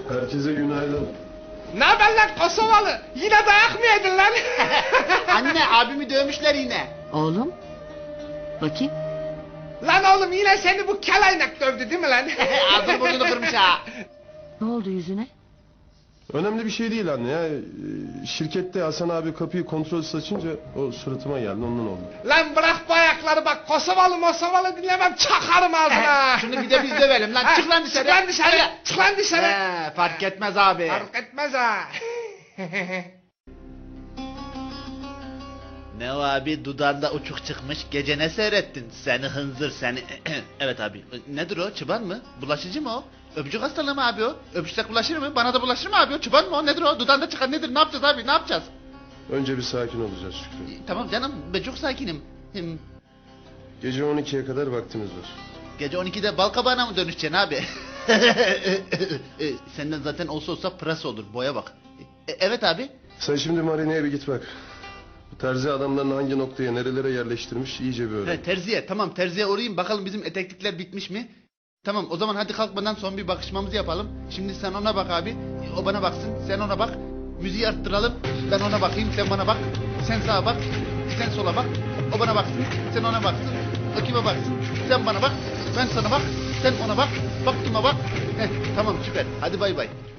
Herkese günaydın. Ne haber lan Kosovalı? Yine dayak mı yedin lan? Anne abimi dövmüşler yine. Oğlum. Bakayım. Lan oğlum yine seni bu kelaynak dövdü değil mi lan? Ağzını burnunu kırmış ha. Ne oldu yüzüne? Önemli bir şey değil anne ya. Şirkette Hasan abi kapıyı kontrolsüz açınca o suratıma geldi, ondan oldu. Lan bırak bu ayakları bak, Kosovalı dinlemem, çakarım ağzına. Şunu bir de biz dövelim lan. Çık lan dışarı. Çık lan dışarı. Hadi. Çık lan dışarı. Fark etmez abi. Fark etmez ha. Ne o abi, dudağında uçuk çıkmış, gece ne seyrettin? Seni hınzır seni. Evet abi, nedir o, çıban mı? Bulaşıcı mı o? Öpücük hastalığı mı abi o? Öpüşsek bulaşır mı? Bana da bulaşır mı abi o? Çıban mı o? Nedir o? Dudağında çıkan nedir? Ne yapacağız abi? Ne yapacağız? Önce bir sakin olacağız Şükrü. Tamam canım, ben çok sakinim. Gece 12'ye kadar vaktimiz var. Gece 12'de balkabağına mı dönüşeceksin abi? Senden zaten olsa pırasa olur, boya bak. Evet abi. Sen şimdi marineye bir git bak. Bu terzi adamlarını hangi noktaya, nerelere yerleştirmiş iyice bir öğren. Terziye, tamam, terziye uğrayayım, bakalım bizim eteklikler bitmiş mi? Tamam, o zaman hadi kalkmadan son bir bakışmamızı yapalım. Şimdi sen ona bak abi, o bana baksın, sen ona bak. Müziği arttıralım, ben ona bakayım, sen bana bak. Sen sağa bak, sen sola bak. O bana baksın, sen ona baksın. O kime baksın, sen bana bak, ben sana bak, sen ona bak. Bak kime bak. Tamam, süper, hadi bay bay.